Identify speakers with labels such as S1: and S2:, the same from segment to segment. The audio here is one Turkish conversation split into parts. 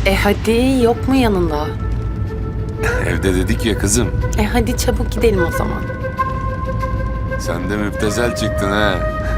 S1: Hadi yok mu yanında?
S2: Evde dedik ya kızım.
S1: Hadi çabuk gidelim o zaman.
S2: Sen de müptezel çıktın ha.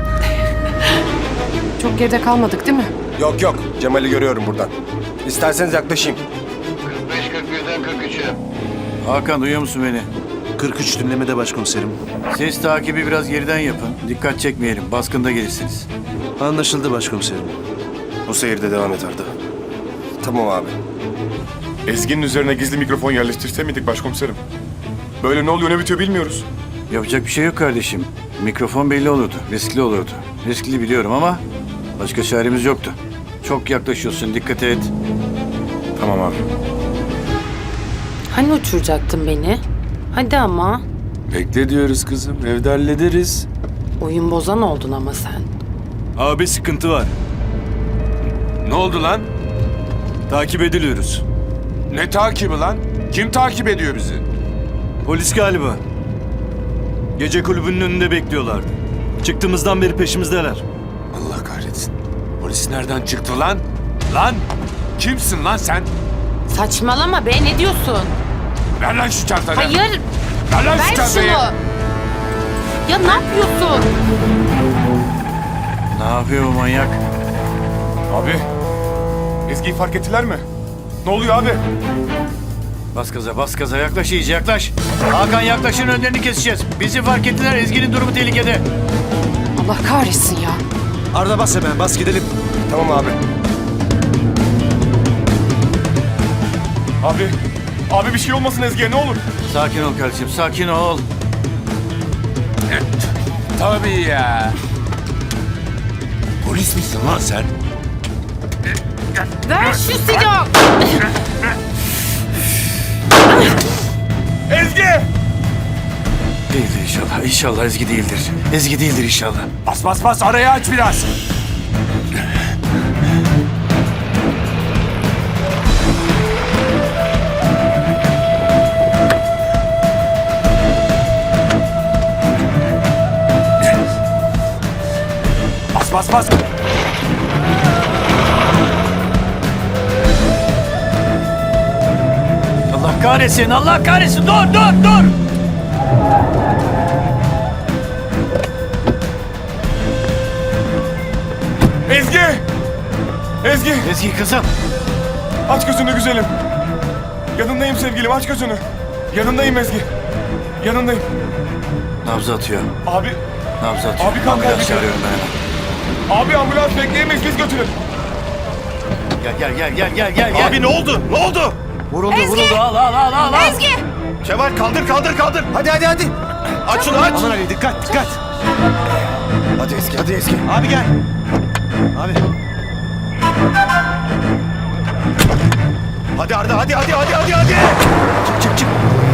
S3: Çok geride kalmadık değil mi?
S4: Yok yok, Cemal'i görüyorum buradan. İsterseniz yaklaşayım.
S5: 45-41'den 43'e.
S6: Hakan duyuyor musun beni?
S7: 43 dinlemede başkomiserim.
S6: Ses takibi biraz geriden yapın. Dikkat çekmeyelim. Baskında gelirsiniz.
S7: Anlaşıldı başkomiserim.
S4: Bu seyirde devam et Arda. Tamam abi.
S8: Ezgi'nin üzerine gizli mikrofon yerleştirse miydik başkomiserim? Böyle ne oluyor ne bitiyor bilmiyoruz.
S6: Yapacak bir şey yok kardeşim. Mikrofon belli olurdu. Riskli olurdu. Riskli biliyorum ama başka çaremiz yoktu. Çok yaklaşıyorsun. Dikkat et.
S8: Tamam abi.
S1: Hani uçuracaktın beni? Hadi ama.
S2: Bekle diyoruz kızım. Evde hallederiz.
S1: Oyun bozan oldun ama sen.
S7: Abi sıkıntı var.
S2: Ne oldu lan?
S7: Takip ediliyoruz.
S2: Ne takibi lan? Kim takip ediyor bizi?
S7: Polis galiba. Gece kulübünün önünde bekliyorlardı. Çıktığımızdan beri peşimizdeler.
S2: Allah kahretsin. Polis nereden çıktı lan? Lan! Kimsin lan sen?
S1: Saçmalama be, ne diyorsun?
S2: Ver lan şu çantayı.
S1: Hayır,
S2: Ver lan şu
S1: ver şunu.
S2: çantayı.
S1: Ya ne yapıyorsun?
S6: Ne yapıyor bu manyak?
S8: Abi, Ezgi'yi fark ettiler mi? Ne oluyor abi?
S6: Bas gaza, bas gaza. Yaklaş iyice, yaklaş. Hakan yaklaşın, önlerini keseceğiz. Bizi fark ettiler. Ezgi'nin durumu tehlikede.
S3: Allah kahretsin ya.
S7: Arda bas hemen, bas gidelim.
S4: Tamam abi.
S8: Abi bir şey olmasın Ezgi'ye ne olur.
S6: Sakin ol kardeşim, sakin ol.
S2: Tabii ya. Polis misin lan sen?
S1: Ver şu silahı.
S8: Ezgi!
S6: Değildir inşallah. İnşallah Ezgi değildir. Ezgi değildir inşallah.
S2: Bas bas bas, arayı aç biraz. Bas bas bas.
S6: Allah kahretsin, Allah kahretsin. Dur, dur, dur.
S8: Ezgi! Ezgi!
S6: Ezgi kızım.
S8: Aç gözünü güzelim. Yanındayım sevgilim, aç gözünü. Yanındayım Ezgi. Yanındayım.
S6: Nabzı atıyor.
S8: Abi,
S6: Nabzı atıyor.
S8: Abi kan
S6: Ambulans
S8: kaybı.
S6: çağırıyorum ben hemen.
S8: abi ambulans bekleyemeyiz, biz götürelim.
S6: Gel.
S7: Abi ne oldu? Ne oldu?
S6: Vuruldu. Al.
S1: Ezgi!
S7: Kemal kaldır. Hadi. Aç şunu aç. Aman Ali dikkat.
S4: Hadi Ezgi.
S7: Abi gel. Abi. Hadi Arda hadi. Çık.